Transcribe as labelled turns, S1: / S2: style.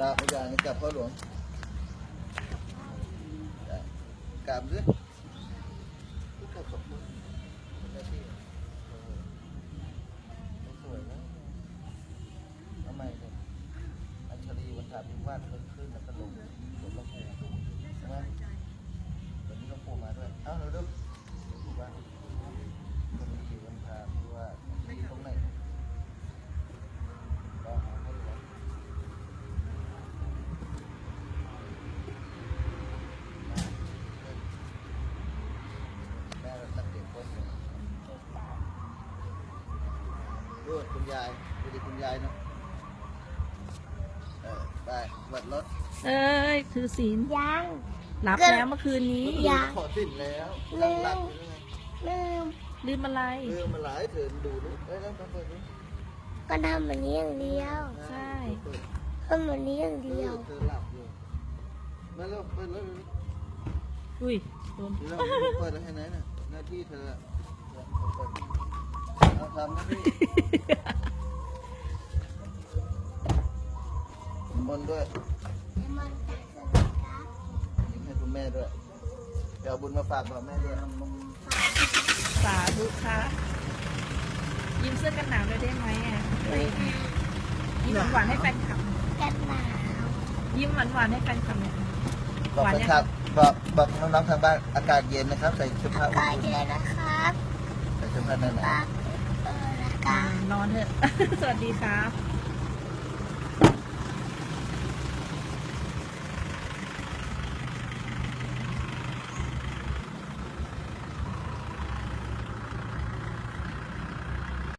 S1: ราบอาจารย์กราบพ่อหลวงกราบด้วยกราบขอบคุณหน้าที่สวยนะทำไมเนี่ยอัญชลีวันถาพิวาทขึ้นแล้วก็ลงสวนลำพูใช่ไหมวันนี้ลำพูมาด้วยเอ้าเราดูว่าคนดีวันถาพิวาทที่ตรงไหนก็หาให้ดูแม่เราตั้งเด็กคนเลยดูคุณยายดูดิคุณยายเนาะไปวัดรถ
S2: เอ้ยถือศีล
S3: ยัง
S2: รับแล้วเมื่อคืนนี้
S1: ขอสิ้นแล้วตั้งหลักอยู่ยังไง
S3: ลืม
S2: ลืมอะไร
S1: เรื่องมาหลายเถินดูดูเอ้ยแล้วต้องเปิดดู
S3: ก็ทำแบบนี้อย่างเดียว
S2: ใช่
S3: ทำแบบนี้อย่างเดียว
S1: เธอหลับอยู่มาเร็วเปิดแล้ว
S2: อุ้ยโดน
S1: เราเปิดแล้วให้ไหนน่ะหน้าที่เธอเอาทำหน้าที่มนต์ด้วยยิ้มให้คุณแม่ด้วยเดี๋ยวเอาบุญมาฝากบอกแม่ด้วย
S2: สาธุค่ะยิ้มเสื้อกันหนาวเลยได้ไหมอ่ะ
S3: ไม่ได้
S2: ยิ้มหวานๆให้แฟนคลับ
S3: กันหนาว
S2: ยิ้มหวานๆให้แฟนคลับเนี่ย
S1: บอกไปครับบอกน้องๆทางบ้านอากาศเย็นนะครับใส่เสื้อผ้า
S3: ก็เยอะนะครับ
S1: ใส่เสื้อผ้าหนา
S3: ปากนะครับ
S2: นอนเถอะ สวัสดีครับ